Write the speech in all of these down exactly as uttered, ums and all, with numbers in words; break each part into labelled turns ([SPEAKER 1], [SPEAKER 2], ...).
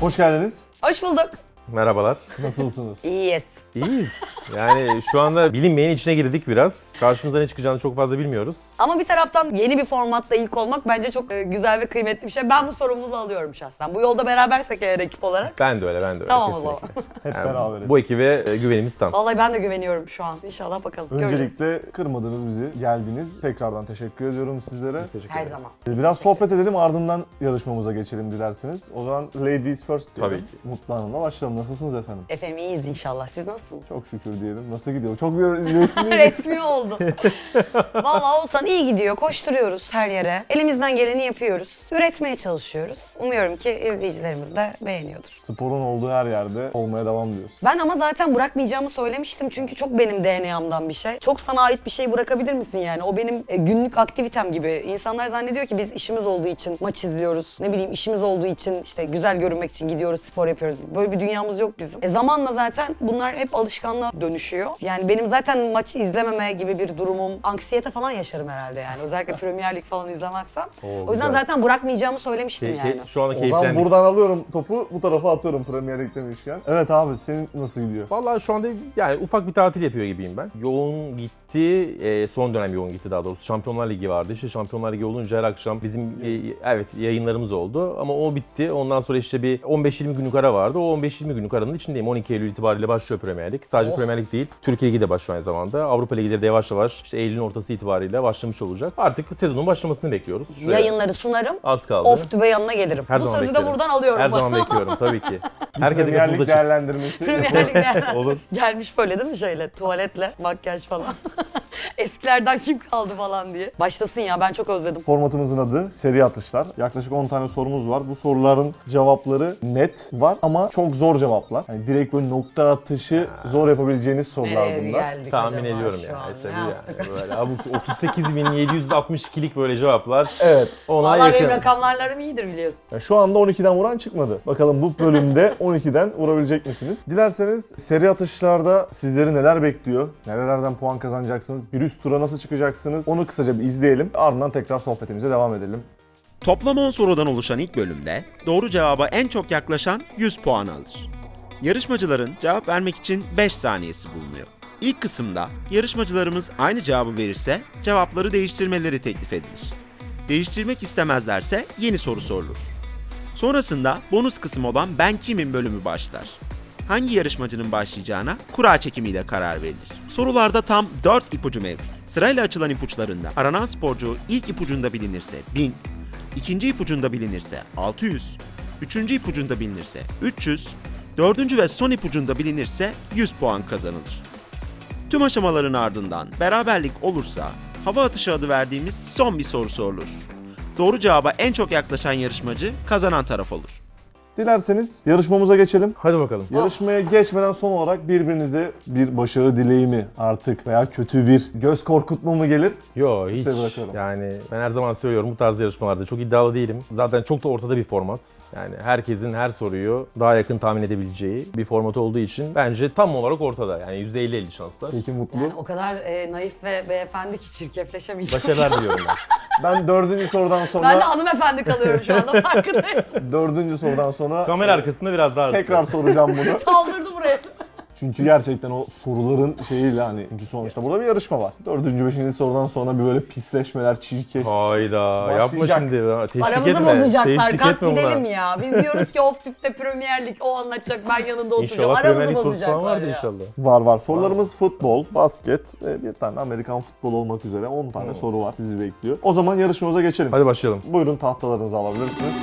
[SPEAKER 1] Hoş geldiniz.
[SPEAKER 2] Hoş bulduk.
[SPEAKER 3] Merhabalar.
[SPEAKER 1] Nasılsınız?
[SPEAKER 2] İyiyiz.
[SPEAKER 3] İyiyiz. Yani şu anda bilinmeyen içine girdik biraz. Karşımıza ne çıkacağını çok fazla bilmiyoruz.
[SPEAKER 2] Ama bir taraftan yeni bir formatta ilk olmak bence çok e, güzel ve kıymetli bir şey. Ben bu sorumluluğu alıyorum şahsen. Bu yolda berabersek eğer ekip olarak.
[SPEAKER 3] Ben de öyle, ben de öyle.
[SPEAKER 2] Tamam o zaman.
[SPEAKER 3] kesinlikle.
[SPEAKER 1] Hep
[SPEAKER 3] Yani
[SPEAKER 1] beraberiz.
[SPEAKER 3] bu ekibe e, güvenimiz tam.
[SPEAKER 2] Vallahi ben de güveniyorum şu an. İnşallah bakalım. Göreceğiz.
[SPEAKER 1] Öncelikle kırmadınız bizi, geldiniz. Tekrardan teşekkür ediyorum sizlere.
[SPEAKER 3] Teşekkür
[SPEAKER 2] Her
[SPEAKER 3] ederiz.
[SPEAKER 2] zaman.
[SPEAKER 1] Biraz sohbet edelim, ardından yarışmamıza geçelim dilerseniz. O zaman ladies first diyelim.
[SPEAKER 3] Tabii ki.
[SPEAKER 1] Mutlu Hanım'la başlayalım. Nasılsınız efendim?
[SPEAKER 2] Efendim iyiyiz inşallah. Siz nasılsınız?
[SPEAKER 1] Çok şükür diyelim. Nasıl gidiyor? Çok bir resmi.
[SPEAKER 2] Resmi oldu. Vallahi olsan iyi gidiyor. Koşturuyoruz her yere. Elimizden geleni yapıyoruz. Üretmeye çalışıyoruz. Umuyorum ki izleyicilerimiz de beğeniyordur.
[SPEAKER 1] Sporun olduğu her yerde olmaya devam diyorsun.
[SPEAKER 2] Ben ama zaten bırakmayacağımı söylemiştim çünkü çok benim D N A'mdan bir şey. Çok sana ait bir şey bırakabilir misin yani? O benim e, günlük aktivitem gibi. İnsanlar zannediyor ki biz işimiz olduğu için maç izliyoruz. Ne bileyim işimiz olduğu için işte güzel görünmek için gidiyoruz, spor yapıyoruz. Böyle bir dünyamız yok bizim. E zamanla zaten bunlar hep alışkanlığa dönüşüyor. Yani benim zaten maç izlememe gibi bir durumum, anksiyete falan yaşarım herhalde yani. Özellikle Premier Lig falan izlemezsem.
[SPEAKER 3] Oo,
[SPEAKER 2] o yüzden
[SPEAKER 3] güzel.
[SPEAKER 2] zaten bırakmayacağımı söylemiştim
[SPEAKER 3] Ke-
[SPEAKER 2] yani.
[SPEAKER 3] ke- şu anda
[SPEAKER 1] O zaman
[SPEAKER 3] keyiflendik.
[SPEAKER 1] buradan alıyorum topu, bu tarafa atıyorum Premier Lig demişken. Evet abi, senin nasıl gidiyor?
[SPEAKER 3] Vallahi şu anda yani ufak bir tatil yapıyor gibiyim ben. Yoğun gitti, e, son dönem yoğun gitti daha doğrusu. Şampiyonlar Ligi vardı. İşte Şampiyonlar Ligi olunca her akşam bizim e, evet yayınlarımız oldu ama o bitti. Ondan sonra işte bir on beş yirmi günlük ara vardı. O on beş yirmi günlük aranın içindeyim. on iki Eylül itibariyle başlıyor Premier Lig. Sadece
[SPEAKER 2] Oh.
[SPEAKER 3] Premier Lig değil, Türkiye Ligi de başlıyor aynı zamanda. Avrupa Ligi'leri de yavaş yavaş işte Eylül'ün ortası itibariyle başlamış olacak. Artık sezonun başlamasını bekliyoruz. Şöyle
[SPEAKER 2] Yayınları sunarım.
[SPEAKER 3] az kaldı.
[SPEAKER 2] Off the yanına gelirim.
[SPEAKER 3] Her
[SPEAKER 2] Bu
[SPEAKER 3] zaman
[SPEAKER 2] sözü
[SPEAKER 3] beklerim.
[SPEAKER 2] de buradan alıyorum.
[SPEAKER 3] Her zaman bekliyorum tabii ki. Herkese
[SPEAKER 1] Premier
[SPEAKER 3] kapımız
[SPEAKER 1] Lig
[SPEAKER 3] açık.
[SPEAKER 1] değerlendirmesi.
[SPEAKER 2] Premier Lig'de
[SPEAKER 3] Olur.
[SPEAKER 2] gelmiş böyle değil mi şeyle, tuvaletle, makyaj falan. Eskilerden kim kaldı falan diye. Başlasın ya, ben çok özledim.
[SPEAKER 1] Formatımızın adı seri atışlar. Yaklaşık on tane sorumuz var. Bu soruların cevapları net var ama çok zor cevaplar. Yani direkt böyle nokta atışı zor yapabileceğiniz sorular
[SPEAKER 2] Nereye
[SPEAKER 1] bunlar.
[SPEAKER 2] geldik
[SPEAKER 3] Tahmin
[SPEAKER 2] acaba
[SPEAKER 3] ediyorum
[SPEAKER 2] şu
[SPEAKER 3] yani.
[SPEAKER 2] an?
[SPEAKER 3] İşte
[SPEAKER 2] Ne
[SPEAKER 3] bu
[SPEAKER 2] yaptık
[SPEAKER 3] yani.
[SPEAKER 2] acaba?
[SPEAKER 3] Böyle abuk- otuz sekiz bin yedi yüz altmış ikilik böyle cevaplar.
[SPEAKER 1] Evet.
[SPEAKER 3] Ona
[SPEAKER 2] Vallahi
[SPEAKER 3] yakın.
[SPEAKER 2] benim rakamlarlarım iyidir biliyorsun.
[SPEAKER 1] Yani şu anda on ikiden vuran çıkmadı. Bakalım bu bölümde on ikiden vurabilecek misiniz? Dilerseniz seri atışlarda sizleri neler bekliyor? Nerelerden puan kazanacaksınız? Bir üst tura nasıl çıkacaksınız? Onu kısaca bir izleyelim. Ardından tekrar sohbetimize devam edelim.
[SPEAKER 4] Toplam on sorudan oluşan ilk bölümde doğru cevaba en çok yaklaşan yüz puan alır. Yarışmacıların cevap vermek için beş saniyesi bulunuyor. İlk kısımda yarışmacılarımız aynı cevabı verirse cevapları değiştirmeleri teklif edilir. Değiştirmek istemezlerse yeni soru sorulur. Sonrasında bonus kısım olan Ben Kimim bölümü başlar. Hangi yarışmacının başlayacağına kura çekimiyle karar verilir. Sorularda tam dört ipucu mevcut. Sırayla açılan ipuçlarında aranan sporcu ilk ipucunda bilinirse bin, ikinci ipucunda bilinirse altı yüz, üçüncü ipucunda bilinirse üç yüz, dördüncü ve son ipucunda bilinirse yüz puan kazanılır. Tüm aşamaların ardından beraberlik olursa hava atışı adı verdiğimiz son bir soru sorulur. Doğru cevaba en çok yaklaşan yarışmacı kazanan taraf olur.
[SPEAKER 1] Dilerseniz yarışmamıza geçelim.
[SPEAKER 3] Hadi bakalım.
[SPEAKER 1] Yarışmaya geçmeden son olarak birbirinize bir başarı dileği mi artık veya kötü bir göz korkutma mı gelir?
[SPEAKER 3] Yo hiç.
[SPEAKER 1] Size bırakıyorum.
[SPEAKER 3] Yani ben her zaman söylüyorum bu tarz yarışmalarda çok iddialı değilim. Zaten çok da ortada bir format. Yani herkesin her soruyu daha yakın tahmin edebileceği bir format olduğu için bence tam olarak ortada. Yani yüzde elli elli şanslar.
[SPEAKER 1] Peki Mutlu.
[SPEAKER 2] Yani o kadar e, naif ve beyefendi ki çirkefleşemeyeceğim.
[SPEAKER 3] Başarılar diliyorum ben.
[SPEAKER 1] Ben dördüncü sorudan sonra
[SPEAKER 2] Ben de hanımefendi kalıyorum şu anda farkındayım.
[SPEAKER 1] dördüncü sorudan sonra
[SPEAKER 3] Kamera arkasında biraz daha
[SPEAKER 1] tekrar soracağım bunu.
[SPEAKER 2] Saldırdı buraya.
[SPEAKER 1] Çünkü gerçekten o soruların şeyiyle hani çünkü sonuçta burada bir yarışma var. Dördüncü, beşinci sorudan sonra bir böyle pisleşmeler, çirkef.
[SPEAKER 3] Hayda yapma
[SPEAKER 1] Başlayacak.
[SPEAKER 3] şimdi. Ha, Teşvik
[SPEAKER 2] Aramızı
[SPEAKER 3] etme.
[SPEAKER 2] bozacaklar.
[SPEAKER 3] Teşvik
[SPEAKER 2] Kalk
[SPEAKER 3] etme buna.
[SPEAKER 2] gidelim ya. Biz diyoruz ki of tüpte Premier Lig o anlatacak, ben yanında oturacağım.
[SPEAKER 3] İnşallah Premier
[SPEAKER 2] Aramızı
[SPEAKER 3] Lig sorusu falan
[SPEAKER 2] bozacaklar
[SPEAKER 3] vardır
[SPEAKER 2] ya.
[SPEAKER 3] inşallah.
[SPEAKER 1] Var var. Sorularımız futbol, basket ve bir tane Amerikan futbolu olmak üzere on tane
[SPEAKER 3] Hmm.
[SPEAKER 1] soru var. Sizi bekliyor. O zaman yarışmamıza geçelim.
[SPEAKER 3] Hadi başlayalım.
[SPEAKER 1] Buyurun tahtalarınızı alabilirsiniz.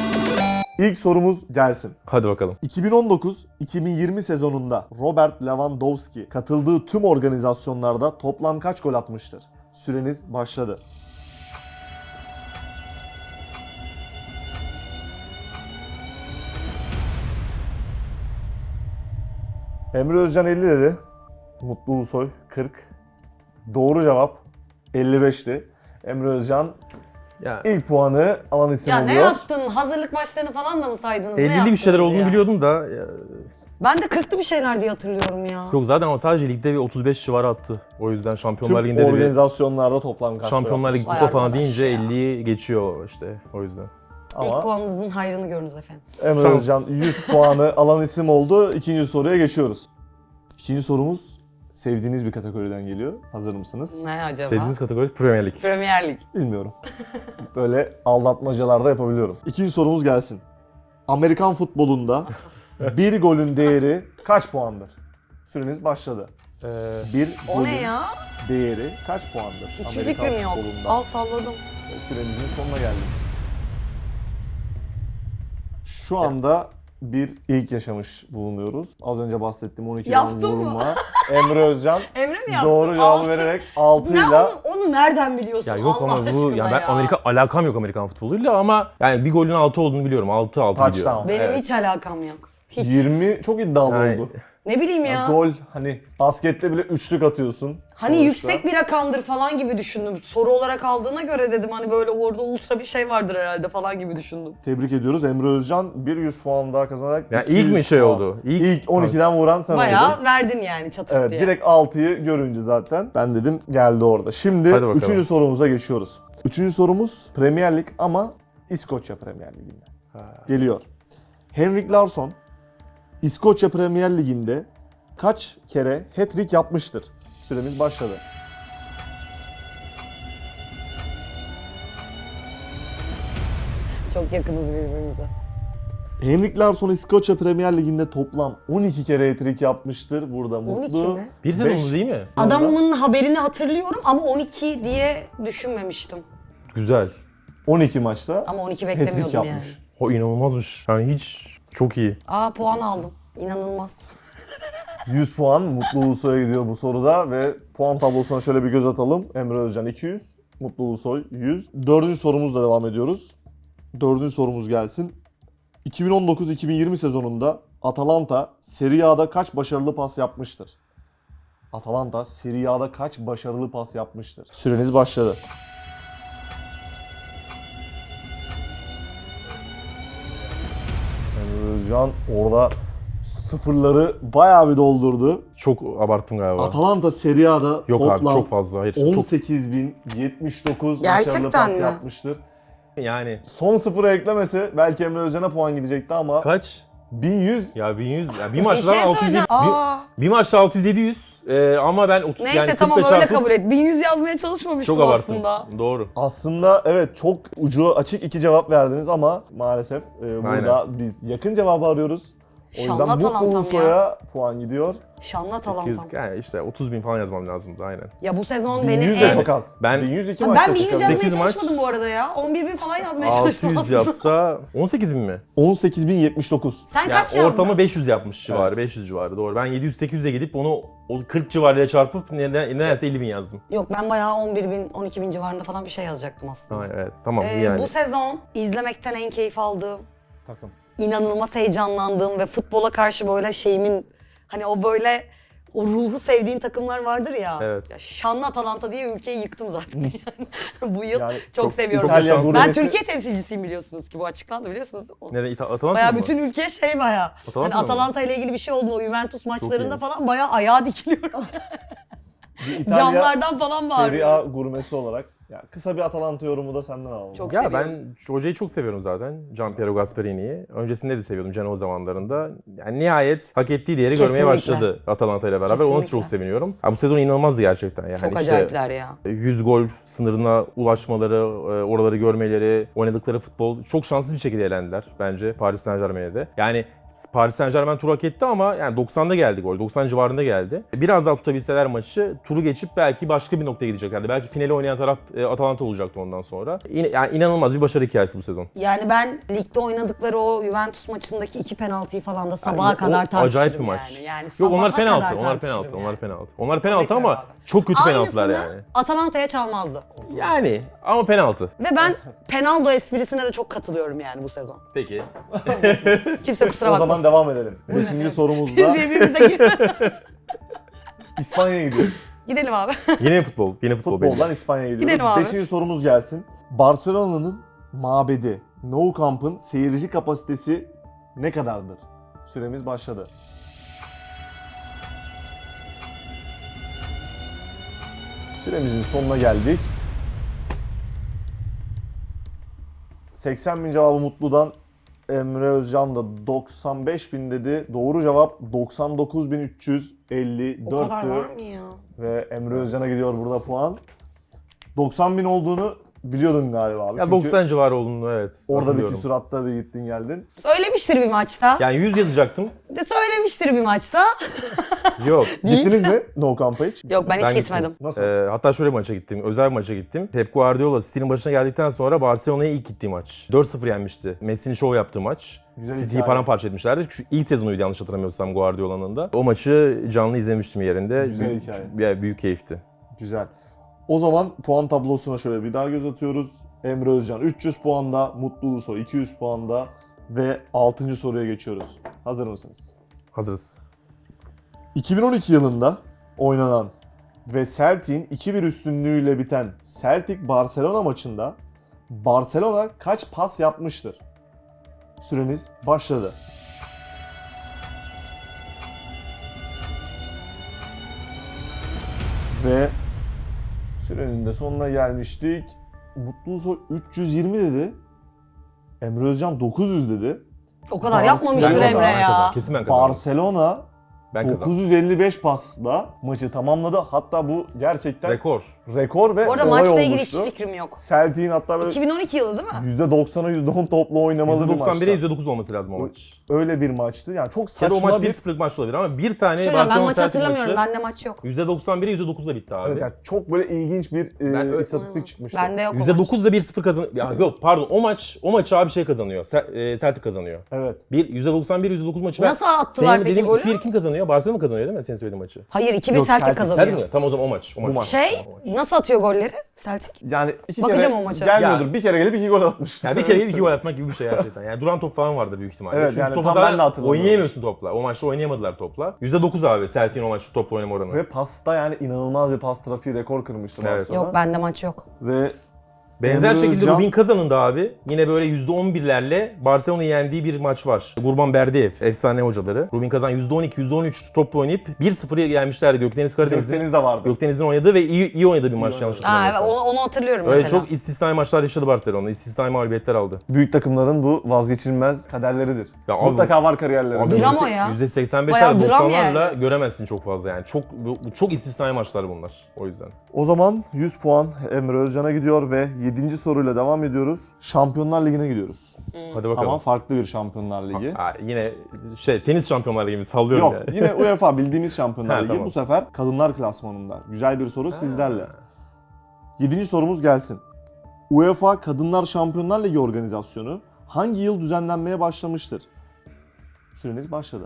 [SPEAKER 1] İlk sorumuz gelsin.
[SPEAKER 3] Hadi bakalım.
[SPEAKER 1] iki bin on dokuz iki bin yirmi sezonunda Robert Lewandowski katıldığı tüm organizasyonlarda toplam kaç gol atmıştır? Süreniz başladı. Emre Özcan elli dedi. Mutlu Ulusoy kırk. Doğru cevap elli beşti. Emre Özcan
[SPEAKER 3] Ya
[SPEAKER 1] ilk puanı alan isim
[SPEAKER 2] Ya ne
[SPEAKER 1] oluyor.
[SPEAKER 2] yaptın? Hazırlık maçlarını falan da mı saydınız? Ne
[SPEAKER 3] ellili bir
[SPEAKER 2] yaptınız
[SPEAKER 3] şeyler olduğunu
[SPEAKER 2] ya?
[SPEAKER 3] biliyordum da ya,
[SPEAKER 2] Ben de kırklı bir şeyler diye hatırlıyorum ya.
[SPEAKER 3] yok zaten ama sadece ligde bir otuz beş civarı attı. O yüzden Şampiyonlar
[SPEAKER 1] Tüm
[SPEAKER 3] Ligi'nde de bir
[SPEAKER 1] organizasyonlarda toplam kaç gol
[SPEAKER 3] Şampiyonlar
[SPEAKER 1] atmış?
[SPEAKER 3] Ligi
[SPEAKER 2] Bayağı
[SPEAKER 3] kupa falan
[SPEAKER 2] arkadaş
[SPEAKER 3] deyince
[SPEAKER 2] ya.
[SPEAKER 3] elliyi geçiyor işte o yüzden.
[SPEAKER 1] Ama
[SPEAKER 2] İlk puanınızın hayrını görünüz efendim.
[SPEAKER 1] Emre
[SPEAKER 3] Şans.
[SPEAKER 1] Özcan yüz puanı alan isim oldu. İkinci soruya geçiyoruz. İkinci sorumuz sevdiğiniz bir kategoriden geliyor. Hazır mısınız?
[SPEAKER 2] Ne acaba?
[SPEAKER 3] Sevdiğiniz kategori Premier Lig.
[SPEAKER 2] Premier Lig.
[SPEAKER 1] Bilmiyorum. Böyle aldatmacalarda yapabiliyorum. İkinci sorumuz gelsin. Amerikan futbolunda bir golün değeri kaç puandır? Süreniz başladı.
[SPEAKER 3] Ee,
[SPEAKER 1] Bir
[SPEAKER 2] O
[SPEAKER 1] golün
[SPEAKER 2] ne ya?
[SPEAKER 1] değeri kaç puandır?
[SPEAKER 2] Hiçbir
[SPEAKER 1] Amerikan
[SPEAKER 2] fikrim yok.
[SPEAKER 1] futbolunda?
[SPEAKER 2] Al salladım.
[SPEAKER 1] Süremizin sonuna geldik. Şu anda bir ilk yaşamış bulunuyoruz. Az önce bahsettiğim on ikiden
[SPEAKER 2] Yaptın mı?
[SPEAKER 1] vurma. Emre Özcan
[SPEAKER 2] Emre mi yaptı?
[SPEAKER 1] doğru cevabı
[SPEAKER 2] Altı.
[SPEAKER 1] vererek
[SPEAKER 2] Ne
[SPEAKER 1] altıyla
[SPEAKER 2] onu, onu nereden biliyorsun
[SPEAKER 3] ya yok
[SPEAKER 2] Allah
[SPEAKER 3] ama bu
[SPEAKER 2] aşkına
[SPEAKER 3] ya ben
[SPEAKER 2] ya.
[SPEAKER 3] Amerika alakam yok Amerikan futboluyla ama yani bir golün altı olduğunu biliyorum. altı altı gidiyor.
[SPEAKER 1] Touchdown.
[SPEAKER 2] Benim
[SPEAKER 1] Evet.
[SPEAKER 2] hiç alakam yok. Hiç.
[SPEAKER 1] yirmi çok iddialı
[SPEAKER 3] Yani-
[SPEAKER 1] oldu.
[SPEAKER 2] Ne bileyim ya.
[SPEAKER 1] Ya gol hani baskette bile üçlük atıyorsun.
[SPEAKER 2] Hani
[SPEAKER 1] sonuçta.
[SPEAKER 2] yüksek bir rakamdır falan gibi düşündüm. Soru olarak aldığına göre dedim hani böyle orada ultra bir şey vardır herhalde falan gibi düşündüm.
[SPEAKER 1] Tebrik ediyoruz. Emre Özcan bir yüz puan daha kazanarak
[SPEAKER 3] Ya
[SPEAKER 1] iki
[SPEAKER 3] ilk
[SPEAKER 1] yüz
[SPEAKER 3] mi şey
[SPEAKER 1] puan.
[SPEAKER 3] oldu? İlk-
[SPEAKER 1] İlk, on ikiden vuran sen
[SPEAKER 2] Bayağı
[SPEAKER 1] oldun.
[SPEAKER 2] verdin yani çatık
[SPEAKER 1] Evet,
[SPEAKER 2] diye.
[SPEAKER 1] direkt altıyı görünce zaten ben dedim geldi orada. Şimdi
[SPEAKER 3] Hadi bakalım.
[SPEAKER 1] üçüncü sorumuza geçiyoruz. Üçüncü sorumuz Premier Lig ama İskoçya Premier Ligi'nde. Geliyor. Henrik Larsson İskoçya Premier Ligi'nde kaç kere hat-trick yapmıştır? Süremiz başladı.
[SPEAKER 2] Çok yakınız birbirimize.
[SPEAKER 1] Henrik Larsson İskoçya Premier Ligi'nde toplam on iki kere hat-trick yapmıştır. Burada
[SPEAKER 2] on iki
[SPEAKER 1] mutlu.
[SPEAKER 2] mi?
[SPEAKER 3] Bir sezon
[SPEAKER 1] Beş-
[SPEAKER 3] mu değil mi?
[SPEAKER 2] Adamın haberini hatırlıyorum ama on iki diye düşünmemiştim.
[SPEAKER 3] Güzel.
[SPEAKER 1] on iki maçta
[SPEAKER 2] Ama on iki
[SPEAKER 1] hat-trick
[SPEAKER 2] beklemiyordum yani.
[SPEAKER 1] yapmış.
[SPEAKER 3] O inanılmazmış. Yani hiç çok iyi.
[SPEAKER 2] Aa puan aldım. İnanılmaz.
[SPEAKER 1] yüz puan Mutlu Ulusoy'a gidiyor bu soruda ve puan tablosuna şöyle bir göz atalım. Emre Özcan iki yüz, Mutlu Ulusoy yüz. Dördüncü sorumuzla devam ediyoruz. Dördüncü sorumuz gelsin. iki bin on dokuz iki bin yirmi sezonunda Atalanta Serie A'da kaç başarılı pas yapmıştır? Atalanta Serie A'da kaç başarılı pas yapmıştır? Süreniz başladı. Emre Özcan orada sıfırları bayağı bir doldurdu.
[SPEAKER 3] Çok abarttım galiba.
[SPEAKER 1] Atalanta Serie A'da
[SPEAKER 3] Yok abi
[SPEAKER 1] toplam
[SPEAKER 3] çok fazla. Hayır. Çok,
[SPEAKER 1] on sekiz bin yetmiş dokuz başarılı
[SPEAKER 2] Gerçekten
[SPEAKER 1] pas
[SPEAKER 2] mi?
[SPEAKER 1] yapmıştır.
[SPEAKER 3] yani
[SPEAKER 1] Son sıfırı eklemese belki Emre Özcan'a puan gidecekti ama
[SPEAKER 3] kaç?
[SPEAKER 1] bin yüz
[SPEAKER 3] Ya bin yüz. Ya bir
[SPEAKER 2] Bir
[SPEAKER 3] maçta
[SPEAKER 2] şey
[SPEAKER 3] altı yüz
[SPEAKER 2] söyleyeceğim.
[SPEAKER 3] bir,
[SPEAKER 2] Aa.
[SPEAKER 3] bir maçta altı yüz yedi yüz. Ee, ama ben otuz
[SPEAKER 2] Neyse
[SPEAKER 3] yani
[SPEAKER 2] tamam
[SPEAKER 3] kırkla
[SPEAKER 2] öyle
[SPEAKER 3] çarpıp
[SPEAKER 2] kabul et. bin yüz yazmaya çalışmamıştım
[SPEAKER 3] çok abarttım.
[SPEAKER 2] aslında.
[SPEAKER 3] Doğru.
[SPEAKER 1] aslında evet çok ucu açık iki cevap verdiniz ama maalesef e, burada biz yakın cevabı arıyoruz. O yüzden
[SPEAKER 2] Şanlı
[SPEAKER 1] Mutlu
[SPEAKER 2] Atalantam
[SPEAKER 1] Ulusoy'a puan gidiyor.
[SPEAKER 2] Şanlı
[SPEAKER 3] sekiz,
[SPEAKER 2] Atalantam.
[SPEAKER 3] yani işte otuz bin falan yazmam lazımdı aynen.
[SPEAKER 2] Ya bu sezon
[SPEAKER 1] bin
[SPEAKER 2] benim
[SPEAKER 1] yüz de
[SPEAKER 2] en...
[SPEAKER 1] çok az.
[SPEAKER 3] Ben-
[SPEAKER 1] bin yüz iki
[SPEAKER 2] Ha,
[SPEAKER 1] maçta
[SPEAKER 2] ben bin yüz
[SPEAKER 1] çıkardı.
[SPEAKER 2] yazmaya
[SPEAKER 3] sekiz maç-
[SPEAKER 2] çalışmadım bu arada ya. on bir bin falan yazmaya
[SPEAKER 3] altı
[SPEAKER 2] çalıştım
[SPEAKER 3] yüz
[SPEAKER 2] aslında.
[SPEAKER 3] yapsa on sekiz bin mi?
[SPEAKER 1] on sekiz bin yetmiş dokuz.
[SPEAKER 2] Sen
[SPEAKER 3] Yani
[SPEAKER 2] kaç yazdın?
[SPEAKER 3] ortamı beş yüz yapmış civarı,
[SPEAKER 1] Evet.
[SPEAKER 3] beş yüz civarı doğru. Ben yedi yüz sekiz yüze gidip onu o kırk civarıyla çarpıp neden, nedense elli bin yazdım.
[SPEAKER 2] Yok ben bayağı on bir bin, on iki bin civarında falan bir şey yazacaktım aslında.
[SPEAKER 3] Ha, evet tamam
[SPEAKER 2] Ee,
[SPEAKER 3] yani.
[SPEAKER 2] Bu sezon izlemekten en keyif aldığım,
[SPEAKER 1] Takım.
[SPEAKER 2] inanılmaz heyecanlandığım ve futbola karşı böyle şeyimin hani o böyle o ruhu sevdiğin takımlar vardır ya.
[SPEAKER 3] Evet.
[SPEAKER 2] Ya şanlı Atalanta diye ülkeyi yıktım zaten yani. Bu yıl
[SPEAKER 1] Yani
[SPEAKER 2] çok,
[SPEAKER 3] çok-
[SPEAKER 2] seviyorum.
[SPEAKER 3] çok
[SPEAKER 1] İtalya
[SPEAKER 3] şanslı.
[SPEAKER 2] Ben
[SPEAKER 1] gurmesi-
[SPEAKER 2] Türkiye temsilcisiyim biliyorsunuz ki bu açıklandı biliyorsunuz. O-
[SPEAKER 3] Neden İta- Atalanta
[SPEAKER 2] Bayağı
[SPEAKER 3] mı?
[SPEAKER 2] bütün ülke şey bayağı.
[SPEAKER 3] Atalanta
[SPEAKER 2] Hani
[SPEAKER 3] mı?
[SPEAKER 2] Atalanta ile ilgili bir şey olduğunda o Juventus maçlarında
[SPEAKER 3] iyiymiş.
[SPEAKER 2] falan bayağı ayağa dikiliyorum.
[SPEAKER 1] Bir İtalya
[SPEAKER 2] Camlardan falan
[SPEAKER 1] Serie
[SPEAKER 2] bağırıyorum.
[SPEAKER 1] A gurmesi olarak ya kısa bir Atalanta yorumu da senden alalım.
[SPEAKER 2] Çok
[SPEAKER 3] Ya
[SPEAKER 2] seviyorum.
[SPEAKER 3] ben şu hocayı çok seviyorum zaten. Gianpiero Gasperini'yi. Öncesinde de seviyordum Genoa zamanlarında. Yani nihayet hak ettiği değeri görmeye
[SPEAKER 2] Kesinlikle.
[SPEAKER 3] başladı Atalanta ile beraber. Ona
[SPEAKER 2] Kesinlikle.
[SPEAKER 3] çok seviniyorum. Ya bu sezon inanılmazdı gerçekten. Yani
[SPEAKER 2] Çok
[SPEAKER 3] işte
[SPEAKER 2] acayipler ya.
[SPEAKER 3] yüz gol sınırına ulaşmaları, e, oraları görmeleri, oynadıkları futbol çok şanssız bir şekilde elendiler bence Paris Saint-Germain'e de. Yani Paris Saint-Germain turu hak etti ama yani doksanda geldi gol. doksan civarında geldi. Biraz daha tutabilseler maçı turu geçip belki başka bir noktaya gideceklerdi. Belki finale oynayan taraf e, Atalanta olacaktı ondan sonra. İn- yani inanılmaz bir başarı hikayesi bu sezon.
[SPEAKER 2] Yani ben ligde oynadıkları o Juventus maçındaki iki penaltıyı falan da sabaha
[SPEAKER 3] Yani o
[SPEAKER 2] kadar tartışırım
[SPEAKER 3] acayip bir maç.
[SPEAKER 2] yani. Yani
[SPEAKER 3] Yok onlar
[SPEAKER 2] sabaha
[SPEAKER 3] penaltı,
[SPEAKER 2] kadar
[SPEAKER 3] onlar
[SPEAKER 2] tartışırım
[SPEAKER 3] penaltı,
[SPEAKER 2] yani.
[SPEAKER 3] onlar penaltı. Onlar penaltı
[SPEAKER 2] Tebrikler
[SPEAKER 3] ama
[SPEAKER 2] abi.
[SPEAKER 3] çok kötü penaltılar
[SPEAKER 2] Aynısını
[SPEAKER 3] yani.
[SPEAKER 2] Atalanta'ya çalmazdı.
[SPEAKER 3] Yani ama penaltı.
[SPEAKER 2] Ve ben penaldo esprisine de çok katılıyorum yani bu sezon.
[SPEAKER 3] Peki.
[SPEAKER 2] Kimse kusura
[SPEAKER 1] O
[SPEAKER 2] bakmasın.
[SPEAKER 1] zaman devam edelim. Beşinci
[SPEAKER 2] Biz
[SPEAKER 1] sorumuzda
[SPEAKER 2] birbirimize girmedik.
[SPEAKER 1] İspanya'ya gidiyoruz.
[SPEAKER 2] Gidelim abi.
[SPEAKER 3] Yine futbol, yine futbol belli.
[SPEAKER 1] Futboldan İspanya'ya gidiyoruz.
[SPEAKER 2] Gidelim abi.
[SPEAKER 1] Beşinci sorumuz gelsin. Barcelona'nın mabedi Nou Camp'ın seyirci kapasitesi ne kadardır? Süremiz başladı. Süremizin sonuna geldik. seksen bin cevabı Mutlu'dan. Emre Özcan da doksan beş bin dedi. Doğru cevap doksan dokuz bin üç yüz elli
[SPEAKER 2] O kadar var
[SPEAKER 1] dörttü.
[SPEAKER 2] mı ya?
[SPEAKER 1] Ve Emre Özcan'a gidiyor burada puan. doksan bin olduğunu biliyordun galiba abi.
[SPEAKER 3] Ya
[SPEAKER 1] Çünkü
[SPEAKER 3] doksan civarı olduğunu evet.
[SPEAKER 1] orada bir
[SPEAKER 3] hatırlıyorum.
[SPEAKER 1] küsuratta bir gittin geldin.
[SPEAKER 2] Söylemiştir bir maçta.
[SPEAKER 3] Yani yüz yazacaktım.
[SPEAKER 2] De söylemiştir bir maçta.
[SPEAKER 3] Yok.
[SPEAKER 1] Gittiniz mi No Camp'a hiç?
[SPEAKER 2] Yok ben hiç
[SPEAKER 3] Ben
[SPEAKER 2] gitmedim.
[SPEAKER 3] gittim.
[SPEAKER 1] Nasıl?
[SPEAKER 3] Ee, hatta şöyle bir maça gittim. Özel bir maça gittim. Pep Guardiola City'nin başına geldikten sonra Barcelona'ya ilk gittiği maç. dört sıfır yenmişti. Messi'nin şov yaptığı maç.
[SPEAKER 1] Güzel
[SPEAKER 3] City'yi
[SPEAKER 1] hikaye.
[SPEAKER 3] paramparça etmişlerdi. Şu ilk sezonuydu yanlış hatırlamıyorsam Guardiola'nın da. O maçı canlı izlemiştim yerinde.
[SPEAKER 1] Güzel
[SPEAKER 3] Büyük-
[SPEAKER 1] hikaye.
[SPEAKER 3] Ya, büyük keyifti.
[SPEAKER 1] Güzel. O zaman puan tablosuna şöyle bir daha göz atıyoruz. Emre Özcan üç yüz puanda, Mutlu Ulusoy iki yüz puanda ve altıncı soruya geçiyoruz. Hazır mısınız?
[SPEAKER 3] Hazırız.
[SPEAKER 1] iki bin on iki yılında oynanan ve Celtic'in iki bir üstünlüğüyle biten Celtic-Barcelona maçında Barcelona kaç pas yapmıştır? Süreniz başladı. Ve sürenin de sonuna gelmiştik. Mutlu Ulusoy üç yüz yirmi dedi. Emre Özcan dokuz yüz dedi.
[SPEAKER 2] O kadar
[SPEAKER 1] Barcelona-
[SPEAKER 2] yapmamıştır
[SPEAKER 1] Ben
[SPEAKER 2] Emre
[SPEAKER 3] kazandım,
[SPEAKER 2] ya.
[SPEAKER 3] Kesin ben kazandım.
[SPEAKER 1] Barcelona
[SPEAKER 3] Ben kazandım.
[SPEAKER 1] dokuz yüz elli beş pasla maçı tamamladı. Hatta bu gerçekten
[SPEAKER 3] Rekor.
[SPEAKER 1] rekor ve
[SPEAKER 2] Bu arada
[SPEAKER 1] olay
[SPEAKER 2] maçla ilgili
[SPEAKER 1] olmuştu.
[SPEAKER 2] hiç fikrim yok.
[SPEAKER 1] Celtic'in hatta böyle
[SPEAKER 2] iki bin on iki yılı değil mi?
[SPEAKER 1] yüzde doksan'a yüzde on topla oynamalı bir
[SPEAKER 3] yüzde doksan bire
[SPEAKER 1] maçtı.
[SPEAKER 3] yüzde dokuz olması lazım o maç.
[SPEAKER 1] Öyle bir maçtı. Yani çok
[SPEAKER 3] Ya da
[SPEAKER 1] saçma
[SPEAKER 3] o maç
[SPEAKER 1] bir...
[SPEAKER 3] bir sıfırlık maç olabilir ama bir tane
[SPEAKER 2] Söyleyeyim, ben
[SPEAKER 3] Barcelona
[SPEAKER 2] maçı
[SPEAKER 3] Celtic
[SPEAKER 2] hatırlamıyorum.
[SPEAKER 3] maçı
[SPEAKER 2] Bende maç yok.
[SPEAKER 3] yüzde doksan bire yüzde dokuzla bitti abi.
[SPEAKER 1] Evet, yani çok böyle ilginç bir e,
[SPEAKER 3] Ben öyle-
[SPEAKER 1] istatistik çıkmıştı.
[SPEAKER 2] Bende yok o
[SPEAKER 3] yüzde
[SPEAKER 2] maç.
[SPEAKER 3] dokuzla bir sıfır kazan... Ya yok pardon o maç o maçı abi şey kazanıyor. Se- e, Celtic kazanıyor.
[SPEAKER 1] Evet.
[SPEAKER 3] Bir yüzde doksan bir yüzde dokuz maçı.
[SPEAKER 2] Nasıl
[SPEAKER 3] ben-
[SPEAKER 2] attılar
[SPEAKER 3] Senin
[SPEAKER 2] peki
[SPEAKER 3] dediğin
[SPEAKER 2] golü?
[SPEAKER 3] iki bir kim kazanıyor? Barcelona mı kazanıyor değil mi senin söylediğin maçı?
[SPEAKER 2] Hayır iki bir
[SPEAKER 1] Yok,
[SPEAKER 2] Celtic
[SPEAKER 1] Celtic.
[SPEAKER 2] kazanıyor.
[SPEAKER 3] Celtic mi? Tamam o zaman o maç. O maç.
[SPEAKER 1] maç.
[SPEAKER 2] Şey
[SPEAKER 3] Tamam, o maç.
[SPEAKER 2] nasıl atıyor golleri Celtic?
[SPEAKER 1] Yani iki
[SPEAKER 2] Bakacağım
[SPEAKER 1] kere
[SPEAKER 2] o maça.
[SPEAKER 1] gelmiyordur.
[SPEAKER 3] Ya-
[SPEAKER 1] Bir kere gelip iki gol atmıştı.
[SPEAKER 3] Yani bir kere iki gol atmak gibi bir şey gerçekten. Yani duran top falan vardı büyük ihtimalle.
[SPEAKER 1] Evet,
[SPEAKER 3] Çünkü
[SPEAKER 1] yani
[SPEAKER 3] topa
[SPEAKER 1] tam
[SPEAKER 3] zaten
[SPEAKER 1] ben de hatırlamıyorum.
[SPEAKER 3] oynayamıyorsun topla. O maçta oynayamadılar topla. yüzde dokuz abi Celtic'in o maçta topla oynama oranı.
[SPEAKER 1] Ve pasta yani inanılmaz bir pas trafiği rekor kırmıştı
[SPEAKER 3] Evet.
[SPEAKER 1] Barcelona.
[SPEAKER 2] Yok bende maç yok.
[SPEAKER 1] Ve
[SPEAKER 3] Benzer
[SPEAKER 1] Emre
[SPEAKER 3] şekilde
[SPEAKER 1] Özcan-
[SPEAKER 3] Rubin Kazan'ın da abi yine böyle yüzde on birlerle Barcelona'yı yendiği bir maç var. Gurban Berdiyev, efsane hocaları. Rubin Kazan yüzde on iki yüzde on üç topla oynayıp bir sıfıra gelmişlerdi Gökdeniz Karadeniz'in.
[SPEAKER 1] Gökdeniz de vardı.
[SPEAKER 3] Gökdeniz'in oynadığı ve iyi, iyi oynadığı bir maç
[SPEAKER 1] oynadı.
[SPEAKER 3] yanlış
[SPEAKER 2] Aa, evet,
[SPEAKER 3] hatırlamıyorsam.
[SPEAKER 2] onu, onu hatırlıyorum
[SPEAKER 3] Öyle
[SPEAKER 2] mesela.
[SPEAKER 3] çok istisnai maçlar yaşadı Barcelona. İstisnai mağlubiyetler aldı.
[SPEAKER 1] Büyük takımların bu vazgeçilmez kaderleridir.
[SPEAKER 3] Ya abi
[SPEAKER 1] Mutlaka var kariyerlerinde.
[SPEAKER 3] Abi
[SPEAKER 2] Drama
[SPEAKER 3] yüzde-
[SPEAKER 2] ya.
[SPEAKER 3] yüzde seksen
[SPEAKER 2] Bayağı
[SPEAKER 3] beşler
[SPEAKER 2] dram
[SPEAKER 3] doksanlarla
[SPEAKER 2] yani.
[SPEAKER 3] göremezsin çok fazla yani. Çok bu- çok istisnai maçlar bunlar o yüzden.
[SPEAKER 1] O zaman yüz puan Emre Özcan'a gidiyor ve yedinci soruyla devam ediyoruz. Şampiyonlar Ligi'ne gidiyoruz.
[SPEAKER 3] Hadi bakalım.
[SPEAKER 1] Ama farklı bir Şampiyonlar Ligi.
[SPEAKER 3] Ha, yine şey tenis şampiyonları gibi sallıyorum
[SPEAKER 1] Yok,
[SPEAKER 3] yani.
[SPEAKER 1] yine UEFA bildiğimiz Şampiyonlar
[SPEAKER 3] Ha,
[SPEAKER 1] Ligi.
[SPEAKER 3] tamam.
[SPEAKER 1] Bu sefer kadınlar klasmanında. Güzel bir soru sizlerle. Yedinci sorumuz gelsin. UEFA Kadınlar Şampiyonlar Ligi organizasyonu hangi yıl düzenlenmeye başlamıştır? Süreniz başladı.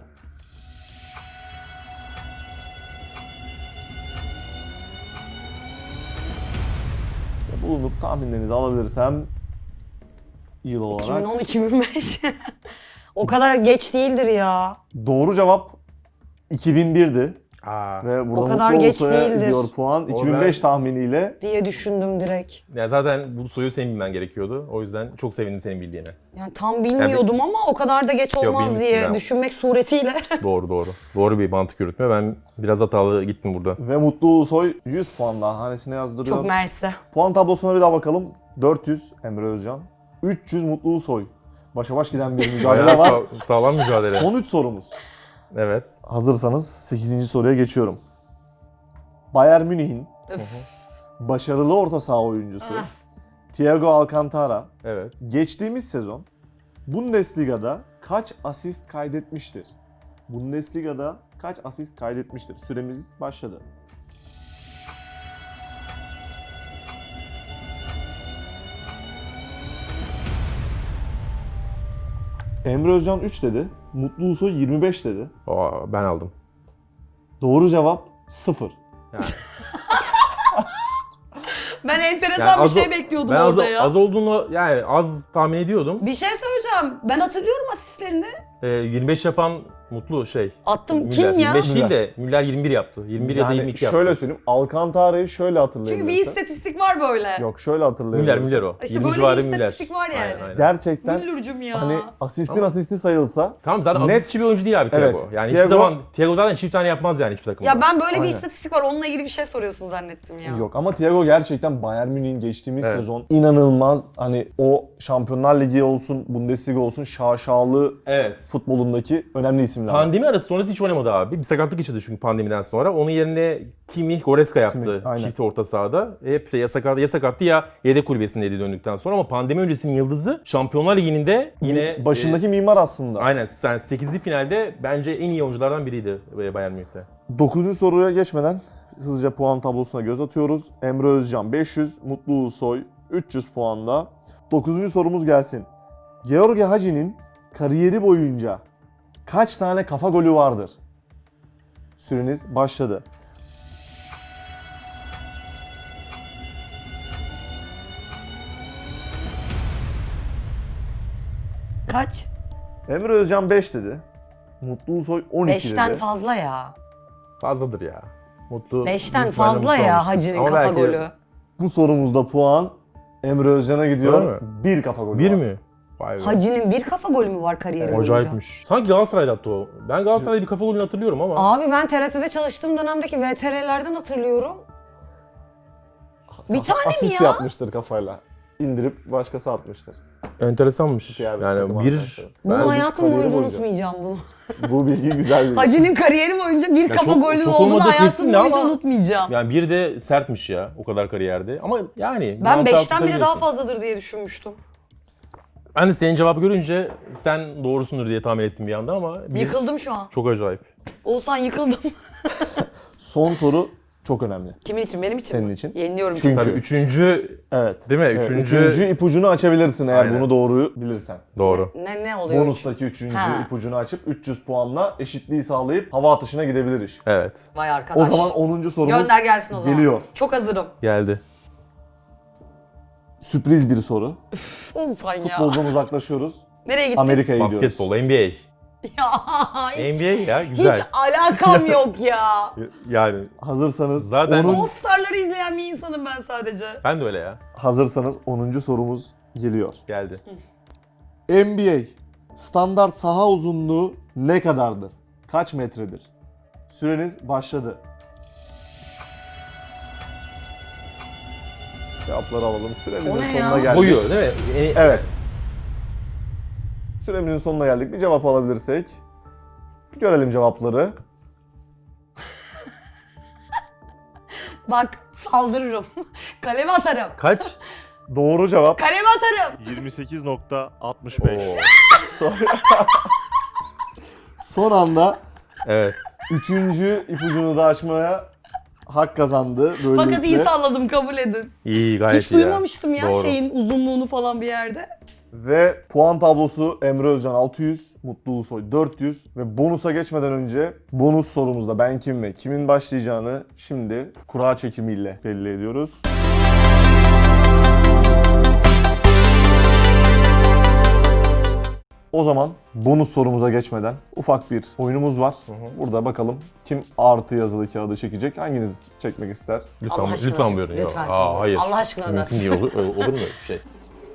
[SPEAKER 1] Ve bulunup tahminlerinizi alabilirsem yıl olarak.
[SPEAKER 2] iki bin on iki bin beş. O kadar geç değildir ya.
[SPEAKER 1] Doğru cevap iki bin bir'di.
[SPEAKER 3] Aa,
[SPEAKER 1] Ve burada
[SPEAKER 2] O kadar
[SPEAKER 1] Mutlu
[SPEAKER 2] geç
[SPEAKER 1] Ulusoy'a
[SPEAKER 2] değildir.
[SPEAKER 1] gidiyor puan. iki bin beş tahminiyle
[SPEAKER 2] Diye düşündüm direkt.
[SPEAKER 3] ya zaten bu soruyu senin bilmen gerekiyordu. O yüzden çok sevindim senin bildiğine.
[SPEAKER 2] Yani tam bilmiyordum ama o kadar da geç olmaz
[SPEAKER 3] bilmişsin
[SPEAKER 2] diye
[SPEAKER 3] ya.
[SPEAKER 2] düşünmek suretiyle.
[SPEAKER 3] Doğru doğru. Doğru bir mantık yürütme. Ben biraz hatalı gittim burada.
[SPEAKER 1] ve Mutlu Ulusoy yüz puan daha hanesine yazdırıyor.
[SPEAKER 2] Çok mersi.
[SPEAKER 1] Puan tablosuna bir daha bakalım. dört yüz Emre Özcan. üç yüz Mutlu Ulusoy. Başa baş giden bir mücadele
[SPEAKER 3] Bayağı
[SPEAKER 1] var.
[SPEAKER 3] sağ- sağlam mücadele.
[SPEAKER 1] Son üç sorumuz.
[SPEAKER 3] Evet.
[SPEAKER 1] Hazırsanız sekizinci soruya geçiyorum. Bayern Münih'in
[SPEAKER 2] Öf.
[SPEAKER 1] başarılı orta saha oyuncusu
[SPEAKER 2] Ah.
[SPEAKER 1] Thiago Alcantara
[SPEAKER 3] Evet.
[SPEAKER 1] geçtiğimiz sezon Bundesliga'da kaç asist kaydetmiştir? Bundesliga'da kaç asist kaydetmiştir? Süremiz başladı. Emre Özcan üç dedi. Mutlu Ulusoy yirmi beş dedi.
[SPEAKER 3] Aa, ben aldım.
[SPEAKER 1] Doğru cevap sıfır.
[SPEAKER 3] Yani,
[SPEAKER 2] Ben enteresan
[SPEAKER 3] yani
[SPEAKER 2] bir
[SPEAKER 3] az,
[SPEAKER 2] şey bekliyordum
[SPEAKER 3] ben az,
[SPEAKER 2] orada ya.
[SPEAKER 3] az olduğunu yani az tahmin ediyordum.
[SPEAKER 2] Bir şey söyleyeceğim. Ben hatırlıyorum asistlerini.
[SPEAKER 3] Ee, yirmi beş yapan Mutlu şey.
[SPEAKER 2] Attım.
[SPEAKER 3] Müller.
[SPEAKER 2] Kim ya?
[SPEAKER 3] yirmi beş değil de Müller yirmi bir yaptı. yirmi bir ya da
[SPEAKER 1] Yani
[SPEAKER 3] yirmi iki yaptı.
[SPEAKER 1] şöyle söyleyeyim. Alcantara'yı şöyle hatırlayabilirsin.
[SPEAKER 2] Çünkü bir istatistik istatistik var böyle.
[SPEAKER 1] Yok şöyle hatırlayabilirim.
[SPEAKER 3] Müller Müller o.
[SPEAKER 2] İşte
[SPEAKER 3] yirmi
[SPEAKER 2] böyle
[SPEAKER 3] civarı
[SPEAKER 2] bir
[SPEAKER 3] Müller.
[SPEAKER 2] istatistik var yani.
[SPEAKER 3] Aynen, aynen.
[SPEAKER 1] Gerçekten
[SPEAKER 2] Müllürcüm ya.
[SPEAKER 1] hani asistin
[SPEAKER 3] Ama-
[SPEAKER 1] asisti sayılsa
[SPEAKER 3] Tamam zaten
[SPEAKER 1] Net-
[SPEAKER 3] asistçi bir oyuncu değil abi Thiago.
[SPEAKER 1] Evet,
[SPEAKER 3] Yani
[SPEAKER 1] Thiago-
[SPEAKER 3] hiçbir zaman Thiago zaten çift tane yapmaz yani hiçbir takımda.
[SPEAKER 2] Ya ben böyle bir
[SPEAKER 1] Aynen.
[SPEAKER 2] istatistik var, onunla ilgili bir şey soruyorsun zannettim ya.
[SPEAKER 1] yok ama Thiago gerçekten Bayern Münih'in geçtiğimiz
[SPEAKER 3] Evet.
[SPEAKER 1] sezon inanılmaz hani o Şampiyonlar Ligi olsun, Bundesliga olsun şaşalı
[SPEAKER 3] Evet.
[SPEAKER 1] futbolundaki önemli isimler.
[SPEAKER 3] Pandemi arası sonrası hiç oynamadı abi. Bir sakatlık geçirdi çünkü pandemiden sonra. Onun yerine Kimi, Goretzka yaptı
[SPEAKER 1] Kimi, aynen.
[SPEAKER 3] çift orta sahada. Hep ya sakattı ya sakattı ya yedek kulübesindeydi döndükten sonra ama pandemi öncesinin yıldızı Şampiyonlar Ligi'nin de yine
[SPEAKER 1] Başındaki mimar aslında.
[SPEAKER 3] e, aynen yani sekizli finalde bence en iyi oyunculardan biriydi Bayern Münih'te.
[SPEAKER 1] dokuzuncu soruya geçmeden hızlıca puan tablosuna göz atıyoruz. Emre Özcan beş yüz, Mutlu Ulusoy üç yüz puanda. dokuzuncu sorumuz gelsin. George Hagi'nin kariyeri boyunca kaç tane kafa golü vardır? Süreniz başladı.
[SPEAKER 2] Kaç?
[SPEAKER 1] Emre Özcan beş dedi. Mutlu Ulusoy on iki
[SPEAKER 2] Beşten
[SPEAKER 1] dedi.
[SPEAKER 2] fazla ya.
[SPEAKER 3] Fazladır ya. Mutlu.
[SPEAKER 2] Beşten
[SPEAKER 3] büyük ihtimalle
[SPEAKER 2] fazla
[SPEAKER 3] mutlu
[SPEAKER 2] ya
[SPEAKER 3] olmuştur.
[SPEAKER 2] Hacı'nın
[SPEAKER 3] Ama
[SPEAKER 2] kafa
[SPEAKER 3] belki-
[SPEAKER 2] golü.
[SPEAKER 1] Bu sorumuzda puan Emre Özcan'a gidiyor.
[SPEAKER 3] Öyle mi?
[SPEAKER 1] Bir kafa golü
[SPEAKER 3] Bir
[SPEAKER 1] var.
[SPEAKER 3] mi? Vay be.
[SPEAKER 2] Hacı'nın bir kafa golü mü var kariyeri boyunca?
[SPEAKER 3] Acayipmiş. Sanki Galatasaray'da attı o. Ben Galatasaray'da bir kafa golünü hatırlıyorum ama.
[SPEAKER 2] Abi ben T R T'de çalıştığım dönemdeki V T R'lerden hatırlıyorum. Bir tane mi
[SPEAKER 1] Asist
[SPEAKER 2] ya?
[SPEAKER 1] yapmıştır kafayla. İndirip başkası atmıştır.
[SPEAKER 3] Enteresanmış.
[SPEAKER 1] Diğer bir
[SPEAKER 3] Yani
[SPEAKER 1] takım
[SPEAKER 3] bir...
[SPEAKER 1] arkadaşları.
[SPEAKER 2] Bunu
[SPEAKER 3] Ben-
[SPEAKER 2] hayatım
[SPEAKER 1] kariyeri
[SPEAKER 2] boyunca
[SPEAKER 1] boyunca.
[SPEAKER 2] unutmayacağım bunu.
[SPEAKER 1] Bu bilgi güzel bir.
[SPEAKER 2] Hacı'nın kariyeri boyunca bir
[SPEAKER 3] Ya
[SPEAKER 2] kafa
[SPEAKER 3] çok-
[SPEAKER 2] golü
[SPEAKER 3] çok
[SPEAKER 2] olduğunu
[SPEAKER 3] olmadığı
[SPEAKER 2] hayatım
[SPEAKER 3] kesin
[SPEAKER 2] boyunca
[SPEAKER 3] ama-
[SPEAKER 2] unutmayacağım.
[SPEAKER 3] Yani bir de sertmiş ya o kadar kariyerde. Ama yani...
[SPEAKER 2] Ben
[SPEAKER 3] mantığı
[SPEAKER 2] beşten bile daha
[SPEAKER 3] tutabiliyorsun.
[SPEAKER 2] fazladır diye düşünmüştüm.
[SPEAKER 3] Ben de senin cevabı görünce sen doğrusundur diye tahmin ettim bir anda ama... Bir...
[SPEAKER 2] Yıkıldım şu an.
[SPEAKER 3] Çok acayip.
[SPEAKER 2] Oğuzhan yıkıldım.
[SPEAKER 1] Son soru çok önemli.
[SPEAKER 2] Kimin için? Benim için
[SPEAKER 1] Senin
[SPEAKER 2] mi?
[SPEAKER 1] için.
[SPEAKER 2] Yeniliyorum
[SPEAKER 1] Çünkü-
[SPEAKER 3] Tabii üçüncü...
[SPEAKER 1] Evet.
[SPEAKER 3] Değil mi?
[SPEAKER 1] Evet,
[SPEAKER 3] Üçüncü...
[SPEAKER 1] üçüncü ipucunu açabilirsin eğer
[SPEAKER 3] Aynen.
[SPEAKER 1] bunu doğruyu bilirsen.
[SPEAKER 3] Doğru.
[SPEAKER 2] Ne ne oluyor?
[SPEAKER 1] Bonustaki üçüncü
[SPEAKER 2] Ha.
[SPEAKER 1] ipucunu açıp üç yüz puanla eşitliği sağlayıp hava atışına gidebilir iş.
[SPEAKER 3] Evet.
[SPEAKER 2] Vay arkadaş.
[SPEAKER 1] O zaman onuncu sorumuz
[SPEAKER 2] Gönder gelsin o zaman.
[SPEAKER 1] geliyor.
[SPEAKER 2] Çok hazırım.
[SPEAKER 3] Geldi.
[SPEAKER 1] Sürpriz bir soru.
[SPEAKER 2] Oğuzhan ya.
[SPEAKER 1] Futboldan uzaklaşıyoruz.
[SPEAKER 2] Nereye gittin?
[SPEAKER 1] Amerika'ya gidiyoruz.
[SPEAKER 3] Basketbol, N B A.
[SPEAKER 2] Ya hiç,
[SPEAKER 3] N B A ya güzel.
[SPEAKER 2] hiç alakam yok ya.
[SPEAKER 3] Yani
[SPEAKER 1] Hazırsanız
[SPEAKER 3] Zaten-
[SPEAKER 1] onun-
[SPEAKER 2] All Star'ları izleyen bir insanım ben sadece.
[SPEAKER 3] ben de öyle ya.
[SPEAKER 1] hazırsanız onuncu sorumuz geliyor.
[SPEAKER 3] Geldi.
[SPEAKER 1] N B A standart saha uzunluğu ne kadardır? Kaç metredir? Süreniz başladı. Cevapları alalım.
[SPEAKER 2] O
[SPEAKER 1] Süremizin
[SPEAKER 2] ne
[SPEAKER 1] sonuna
[SPEAKER 2] ya?
[SPEAKER 1] geldik.
[SPEAKER 3] Boyu değil mi? E,
[SPEAKER 1] Evet. Süremizin sonuna geldik. Bir cevap alabilirsek. Görelim cevapları.
[SPEAKER 2] Bak saldırırım. Kaleme atarım.
[SPEAKER 3] Kaç?
[SPEAKER 1] Doğru cevap
[SPEAKER 2] Kaleme atarım.
[SPEAKER 1] yirmi sekiz nokta altmış beş.
[SPEAKER 3] Oo.
[SPEAKER 1] Son, son anda
[SPEAKER 3] Evet.
[SPEAKER 1] üçüncü ipucunu da açmaya hak kazandı. Böylelikle.
[SPEAKER 2] Fakat iyi salladım, kabul edin.
[SPEAKER 3] İyi gayet
[SPEAKER 2] Hiç
[SPEAKER 3] iyi ya.
[SPEAKER 2] duymamıştım ya
[SPEAKER 3] Doğru.
[SPEAKER 2] şeyin uzunluğunu falan bir yerde.
[SPEAKER 1] Ve puan tablosu Emre Özcan altı yüz, Mutlu Ulusoy dört yüz ve bonusa geçmeden önce bonus sorumuzda ben kim ve kimin başlayacağını şimdi kura çekimiyle belli ediyoruz. O zaman bonus sorumuza geçmeden ufak bir oyunumuz var. Burada bakalım kim artı yazılı kağıdı çekecek? Hanginiz çekmek ister?
[SPEAKER 3] Lütfen,
[SPEAKER 2] Allah aşkına
[SPEAKER 3] lütfen
[SPEAKER 2] Önder.
[SPEAKER 3] buyurun. Yok.
[SPEAKER 2] Lütfen
[SPEAKER 3] Aa,
[SPEAKER 2] siz.
[SPEAKER 3] hayır.
[SPEAKER 2] Allah aşkına Önder.
[SPEAKER 3] Mümkün değil. Olur, olur mu öyle bir şey?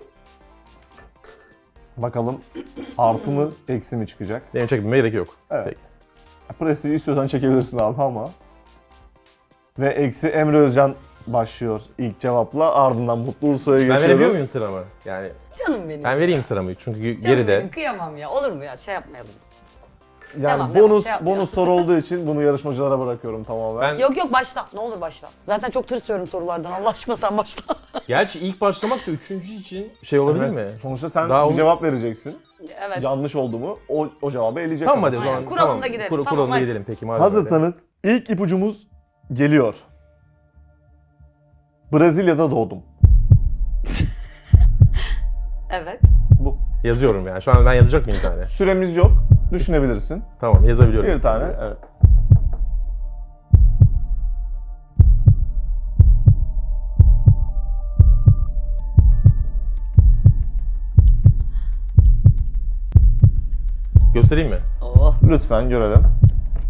[SPEAKER 1] Bakalım artı mı eksi mi çıkacak?
[SPEAKER 3] Benim çekmeme gerek yok.
[SPEAKER 1] Evet.
[SPEAKER 3] Peki.
[SPEAKER 1] Prestij istiyorsan çekebilirsin abi ama. Ve eksi Emre Özcan başlıyor ilk cevapla. Ardından Mutlu Ulusoy'a
[SPEAKER 3] Ben
[SPEAKER 1] geçiyoruz.
[SPEAKER 3] verebiliyor muyum sıramı? Yani
[SPEAKER 2] Canım benim.
[SPEAKER 3] ben vereyim sıramı çünkü
[SPEAKER 2] Canım
[SPEAKER 3] geride.
[SPEAKER 2] benim, kıyamam ya. Olur mu ya? Şey yapmayalım.
[SPEAKER 1] Yani
[SPEAKER 2] Devam, devam,
[SPEAKER 1] bonus
[SPEAKER 2] şey yapmayalım.
[SPEAKER 1] bonus soru olduğu için bunu yarışmacılara bırakıyorum tamamen.
[SPEAKER 3] Ben-
[SPEAKER 2] Yok yok başla. Ne olur başla. Zaten çok tırsıyorum sorulardan. Allah aşkına sen başla.
[SPEAKER 3] Gerçi ilk başlamak da üçüncü için şey olabilir
[SPEAKER 1] Evet,
[SPEAKER 3] mi?
[SPEAKER 1] Sonuçta sen
[SPEAKER 3] Daha
[SPEAKER 1] bir
[SPEAKER 3] onu-
[SPEAKER 1] cevap vereceksin.
[SPEAKER 2] Evet.
[SPEAKER 1] Yanlış oldu mu o, o cevabı eleyecek.
[SPEAKER 3] Tamam
[SPEAKER 1] ama.
[SPEAKER 3] hadi o
[SPEAKER 2] Aynen,
[SPEAKER 3] zaman.
[SPEAKER 2] kuralında
[SPEAKER 3] tamam.
[SPEAKER 2] gidelim.
[SPEAKER 3] Kur-
[SPEAKER 2] Tamam,
[SPEAKER 3] kuralında
[SPEAKER 2] hadi.
[SPEAKER 3] gidelim peki madem öyle.
[SPEAKER 1] Hazırsanız ilk ipucumuz geliyor. Brezilya'da doğdum.
[SPEAKER 2] Evet.
[SPEAKER 1] Bu.
[SPEAKER 3] Yazıyorum yani. Şu an ben yazacak mıyım bir tane?
[SPEAKER 1] Süremiz yok. Düşünebilirsin.
[SPEAKER 3] Tamam yazabiliyorum.
[SPEAKER 1] Bir tane, evet.
[SPEAKER 3] Göstereyim mi?
[SPEAKER 2] Oh.
[SPEAKER 1] Lütfen görelim.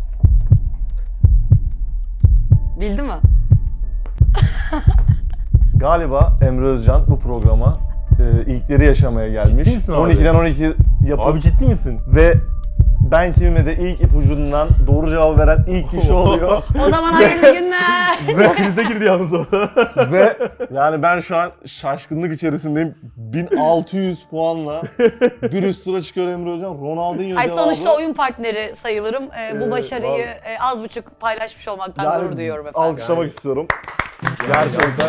[SPEAKER 2] Bildi mi?
[SPEAKER 1] Galiba Emre Özcan bu programa e, ilkleri yaşamaya gelmiş.
[SPEAKER 3] Ciddi misin abi?
[SPEAKER 1] on ikiden on iki yapıp
[SPEAKER 3] Abi ciddi misin?
[SPEAKER 1] ve ben kimime de ilk ipucundan doğru cevabı veren ilk kişi oluyor.
[SPEAKER 2] O zaman hayırlı günler.
[SPEAKER 1] ve,
[SPEAKER 3] Krize girdi yalnız o.
[SPEAKER 1] ve yani ben şu an şaşkınlık içerisindeyim. bin altı yüz puanla bir üst tura çıkıyor Emre Hocam. Ronaldinho
[SPEAKER 2] Ay
[SPEAKER 1] cevabı.
[SPEAKER 2] sonuçta oyun partneri sayılırım. Ee, bu
[SPEAKER 1] Ee,
[SPEAKER 2] başarıyı
[SPEAKER 1] vallahi-
[SPEAKER 2] e, az buçuk paylaşmış olmaktan
[SPEAKER 1] Yani
[SPEAKER 2] gurur duyuyorum efendim.
[SPEAKER 1] alkışlamak istiyorum. Gerçekten.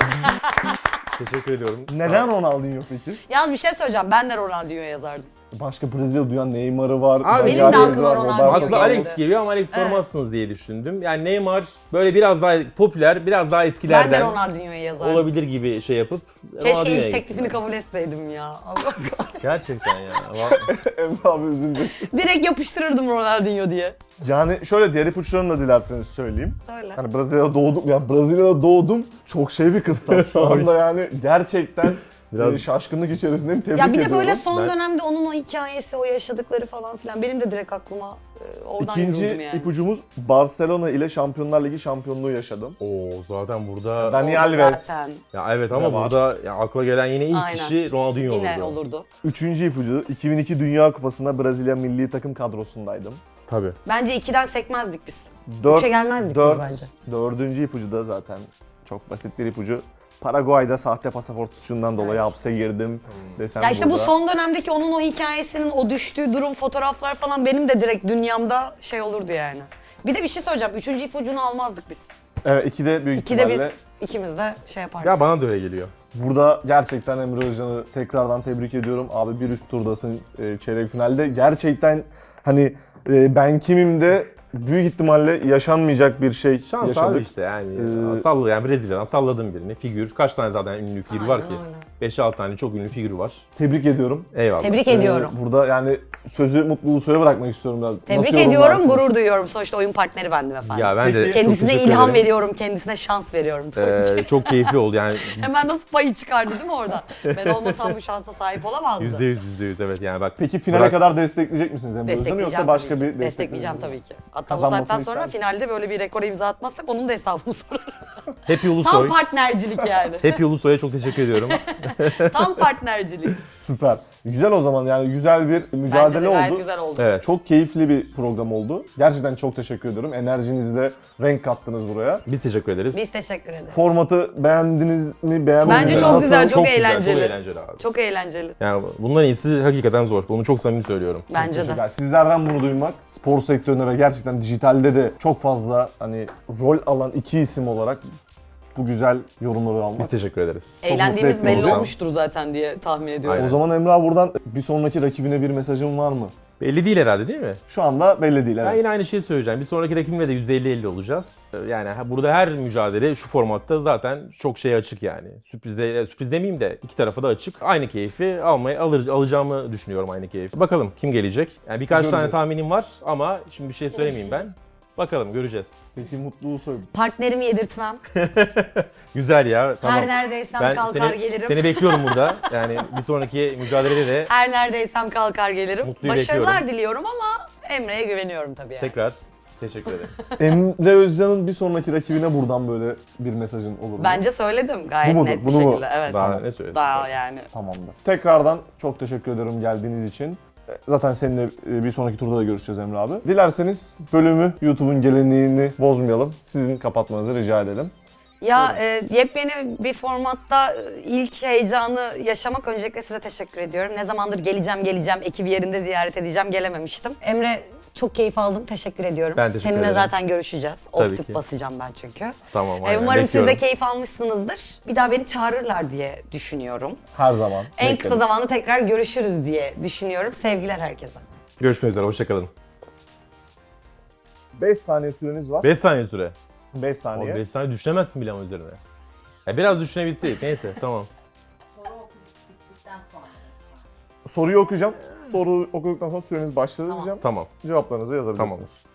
[SPEAKER 3] Teşekkür ediyorum.
[SPEAKER 1] Neden Ronaldinho peki?
[SPEAKER 2] Yalnız bir şey söyleyeceğim. Ben de Ronaldinho'ya yazardım.
[SPEAKER 1] Başka Brezilya duyan Neymar'ı var.
[SPEAKER 3] Abi
[SPEAKER 2] benim de
[SPEAKER 1] Magalhaes
[SPEAKER 2] aklıma
[SPEAKER 1] var,
[SPEAKER 2] Ronaldinho
[SPEAKER 1] Roberto
[SPEAKER 3] Aklı
[SPEAKER 2] geldi.
[SPEAKER 1] Carlos.
[SPEAKER 3] Alex geliyor ama Alex
[SPEAKER 2] Evet.
[SPEAKER 3] sormazsınız diye düşündüm. Yani Neymar böyle biraz daha popüler, biraz daha
[SPEAKER 2] Ben de
[SPEAKER 3] eskilerden
[SPEAKER 2] Ronaldinho'ya yazardım.
[SPEAKER 3] olabilir gibi şey yapıp
[SPEAKER 2] Keşke
[SPEAKER 3] Ronaldinho'ya
[SPEAKER 2] ilk teklifini
[SPEAKER 3] gittim
[SPEAKER 2] kabul etseydim ya.
[SPEAKER 3] ben. Gerçekten ya. Va-
[SPEAKER 1] Emre abi üzüleceksin.
[SPEAKER 2] Direkt yapıştırırdım Ronaldinho diye.
[SPEAKER 1] Yani şöyle diğer ipuçlarını da dilerseniz söyleyeyim.
[SPEAKER 2] Söyle.
[SPEAKER 1] Hani Brezilya'da doğdum, ya Brezilya'da doğdum çok şey bir kıstas. Şu anda yani gerçekten
[SPEAKER 3] Biraz-
[SPEAKER 1] e, şaşkınlık içerisindeyim. Tebrik
[SPEAKER 2] Ya bir de
[SPEAKER 1] ediyorum.
[SPEAKER 2] böyle son
[SPEAKER 3] Ben-
[SPEAKER 2] dönemde onun o hikayesi, o yaşadıkları falan filan benim de direkt aklıma e, oradan
[SPEAKER 1] İkinci
[SPEAKER 2] yürüdüm yani.
[SPEAKER 1] ipucumuz Barcelona ile Şampiyonlar Ligi şampiyonluğu yaşadım.
[SPEAKER 3] Oo zaten burada
[SPEAKER 1] Dani
[SPEAKER 2] Orada
[SPEAKER 1] Alves.
[SPEAKER 2] zaten
[SPEAKER 3] ya evet
[SPEAKER 1] Ne
[SPEAKER 3] ama
[SPEAKER 1] var?
[SPEAKER 3] burada ya akla gelen yine ilk
[SPEAKER 2] Aynen.
[SPEAKER 3] kişi Ronaldinho olurdu.
[SPEAKER 2] yine olurdu.
[SPEAKER 1] Üçüncü ipucu iki bin iki Dünya Kupası'nda Brezilya milli takım kadrosundaydım.
[SPEAKER 3] Tabii.
[SPEAKER 2] Bence ikiden sekmezdik biz.
[SPEAKER 1] Dört,
[SPEAKER 2] Üçe gelmezdik
[SPEAKER 1] dört,
[SPEAKER 2] biz bence.
[SPEAKER 1] Dördüncü ipucu da zaten çok basit bir ipucu. Paraguay'da sahte pasaport suçundan dolayı
[SPEAKER 2] Evet.
[SPEAKER 1] hapse girdim desem
[SPEAKER 2] Ya işte bu
[SPEAKER 1] burada.
[SPEAKER 2] son dönemdeki onun o hikayesinin o düştüğü durum, fotoğraflar falan benim de direkt dünyamda şey olurdu yani. Bir de bir şey söyleyeceğim. Üçüncü ipucunu almazdık biz.
[SPEAKER 1] Evet ikide büyük
[SPEAKER 2] İkide biz
[SPEAKER 1] ihtimalle.
[SPEAKER 2] ikimiz de şey yapardık.
[SPEAKER 3] Ya bana da öyle geliyor.
[SPEAKER 1] Burada gerçekten Emre Özcan'ı tekrardan tebrik ediyorum. Abi bir üst turdasın e, çeyrek finalde. Gerçekten hani e, ben kimim de büyük ihtimalle yaşanmayacak bir şey
[SPEAKER 3] Şans
[SPEAKER 1] yaşadık.
[SPEAKER 3] abi işte yani.
[SPEAKER 1] Ee,
[SPEAKER 3] Salla yani Brezilya'dan salladım birini. Figür. Kaç tane zaten ünlü figür var
[SPEAKER 2] Aynen
[SPEAKER 3] ki?
[SPEAKER 2] öyle.
[SPEAKER 3] beş altı tane çok ünlü figür var.
[SPEAKER 1] Tebrik ediyorum.
[SPEAKER 3] Eyvallah.
[SPEAKER 2] Tebrik
[SPEAKER 1] Ee,
[SPEAKER 2] ediyorum.
[SPEAKER 1] burada yani sözü mutluluğu söyle bırakmak istiyorum biraz.
[SPEAKER 2] Tebrik
[SPEAKER 1] Nasıl
[SPEAKER 2] ediyorum,
[SPEAKER 1] yorumlarsınız?
[SPEAKER 2] gurur duyuyorum. Sonuçta oyun partneri bendim efendim.
[SPEAKER 3] Ya ben de
[SPEAKER 1] Peki,
[SPEAKER 3] çok
[SPEAKER 2] Kendisine
[SPEAKER 3] teşekkür
[SPEAKER 2] ilham
[SPEAKER 3] ederim.
[SPEAKER 2] veriyorum, kendisine şans veriyorum tabii ki.
[SPEAKER 3] Ee, çok keyifli oldu yani.
[SPEAKER 2] Hemen nasıl payı çıkardı değil mi orada? Ben olmasam bu şansa sahip olamazdı.
[SPEAKER 3] Yüzde yüz, yüzde yüz evet yani bak.
[SPEAKER 1] Peki finale
[SPEAKER 3] Bırak-
[SPEAKER 1] kadar destekleyecek misiniz Emre Özcan'ı
[SPEAKER 2] Destekleyeceğim
[SPEAKER 1] yoksa başka
[SPEAKER 2] tabii
[SPEAKER 1] bir
[SPEAKER 2] ki.
[SPEAKER 1] destek
[SPEAKER 2] Destekleyeceğim tabii ki. Hatta bu
[SPEAKER 1] Kazanmasını
[SPEAKER 2] saatten sonra
[SPEAKER 1] ister
[SPEAKER 2] finalde böyle bir rekora imza atmazsak onun da hesabını sorarım.
[SPEAKER 3] Happy
[SPEAKER 2] Tam
[SPEAKER 3] Ulusoy.
[SPEAKER 2] partnercilik yani.
[SPEAKER 3] Happy Ulusoy'a çok teşekkür ediyorum.
[SPEAKER 2] Tam partnercilik.
[SPEAKER 1] Süper. Güzel o zaman yani güzel bir
[SPEAKER 2] Bence
[SPEAKER 1] mücadele
[SPEAKER 2] de gayet
[SPEAKER 1] oldu.
[SPEAKER 2] güzel oldu.
[SPEAKER 3] Evet.
[SPEAKER 1] Çok keyifli bir program oldu. Gerçekten çok teşekkür ediyorum. Enerjinizle renk kattınız buraya.
[SPEAKER 3] Biz teşekkür ederiz.
[SPEAKER 2] Biz teşekkür ederiz.
[SPEAKER 1] Formatı beğendiniz mi? Beğenmediniz
[SPEAKER 2] Bence
[SPEAKER 1] mi?
[SPEAKER 2] çok
[SPEAKER 1] Nasıl?
[SPEAKER 2] güzel, çok
[SPEAKER 3] güzel,
[SPEAKER 2] eğlenceli.
[SPEAKER 3] Çok eğlenceli abi.
[SPEAKER 2] Çok eğlenceli.
[SPEAKER 3] Yani bundan iyisi hakikaten zor. Bunu çok samimi söylüyorum.
[SPEAKER 2] Bence de.
[SPEAKER 1] Teşekkürler. Sizlerden bunu duymak, spor sektöründe ve gerçekten dijitalde de çok fazla hani rol alan iki isim olarak bu güzel yorumları almak.
[SPEAKER 3] Biz teşekkür ederiz.
[SPEAKER 2] Eğlendiğimiz
[SPEAKER 1] mutlu
[SPEAKER 2] belli
[SPEAKER 1] ettiniz.
[SPEAKER 2] olmuştur zaten diye tahmin ediyorum.
[SPEAKER 3] Aynen.
[SPEAKER 1] O zaman Emre abi buradan bir sonraki rakibine bir mesajın var mı?
[SPEAKER 3] Belli değil herhalde değil mi?
[SPEAKER 1] Şu anda belli değil.
[SPEAKER 3] Ben
[SPEAKER 1] Evet.
[SPEAKER 3] yine aynı şeyi söyleyeceğim. Bir sonraki rakibimle de yüzde elli elli olacağız. Yani ha- burada her mücadele şu formatta zaten çok şey açık yani. Sürprize, sürpriz demeyeyim de iki tarafa da açık. Aynı keyfi almayı alır, alacağımı düşünüyorum aynı keyfi. Bakalım kim gelecek? Yani birkaç tane
[SPEAKER 1] Göreceğiz.
[SPEAKER 3] tahminim var ama şimdi bir şey söylemeyeyim ben. Bakalım göreceğiz.
[SPEAKER 1] Peki mutluluğu söyle.
[SPEAKER 2] Partnerimi yedirtmem.
[SPEAKER 3] Güzel ya. Tamam.
[SPEAKER 2] Her neredeysem
[SPEAKER 3] Ben
[SPEAKER 2] kalkar
[SPEAKER 3] seni,
[SPEAKER 2] gelirim.
[SPEAKER 3] seni bekliyorum burada. Yani bir sonraki mücadelede de
[SPEAKER 2] Her neredeysem kalkar gelirim.
[SPEAKER 3] Mutluyu
[SPEAKER 2] Başarılar
[SPEAKER 3] bekliyorum.
[SPEAKER 2] diliyorum ama Emre'ye güveniyorum tabii yani.
[SPEAKER 3] tekrar teşekkür ederim.
[SPEAKER 1] Emre Özcan'ın bir sonraki rakibine buradan böyle bir mesajın olur mu?
[SPEAKER 2] Bence söyledim gayet
[SPEAKER 1] Bu mudur,
[SPEAKER 2] net bir
[SPEAKER 1] bunu mu?
[SPEAKER 2] şekilde. Evet.
[SPEAKER 3] Daha ne söylesin?
[SPEAKER 2] Daha yani.
[SPEAKER 1] Tamamdır. Tekrardan çok teşekkür ederim geldiğiniz için. Zaten seninle bir sonraki turda da görüşeceğiz Emre abi. Dilerseniz bölümü YouTube'un geleneğini bozmayalım. Sizin kapatmanızı rica edelim.
[SPEAKER 2] Ya e, yepyeni bir formatta e, ilk heyecanı yaşamak öncelikle size teşekkür ediyorum. Ne zamandır geleceğim geleceğim ekibi yerinde ziyaret edeceğim gelememiştim. Emre çok keyif aldım. Teşekkür ediyorum.
[SPEAKER 3] Ben teşekkür
[SPEAKER 2] Seninle
[SPEAKER 3] ederim.
[SPEAKER 2] zaten görüşeceğiz.
[SPEAKER 3] Tabii
[SPEAKER 2] Off tip
[SPEAKER 3] ki.
[SPEAKER 2] basacağım ben çünkü.
[SPEAKER 3] Tamam
[SPEAKER 2] E,
[SPEAKER 3] aynen.
[SPEAKER 2] umarım siz de
[SPEAKER 3] Bekliyorum.
[SPEAKER 2] keyif almışsınızdır. Bir daha beni çağırırlar diye düşünüyorum.
[SPEAKER 1] Her zaman.
[SPEAKER 2] En kısa
[SPEAKER 1] bekleriz.
[SPEAKER 2] zamanda tekrar görüşürüz diye düşünüyorum. Sevgiler herkese.
[SPEAKER 3] Görüşmek üzere. Hoşçakalın.
[SPEAKER 1] beş saniye süreniz var.
[SPEAKER 3] beş saniye süre.
[SPEAKER 1] beş saniye.
[SPEAKER 3] beş saniye düşünemezsin bile ama üzerine. Ya biraz düşünebilseydik. Neyse tamam.
[SPEAKER 5] Soru okuduk bittikten sonra.
[SPEAKER 1] Soruyu okuyacağım. Soru okuduktan sonra süreniz başladı diyeceğim.
[SPEAKER 3] Tamam.
[SPEAKER 1] Cevaplarınızı yazabilirsiniz.
[SPEAKER 3] Tamam.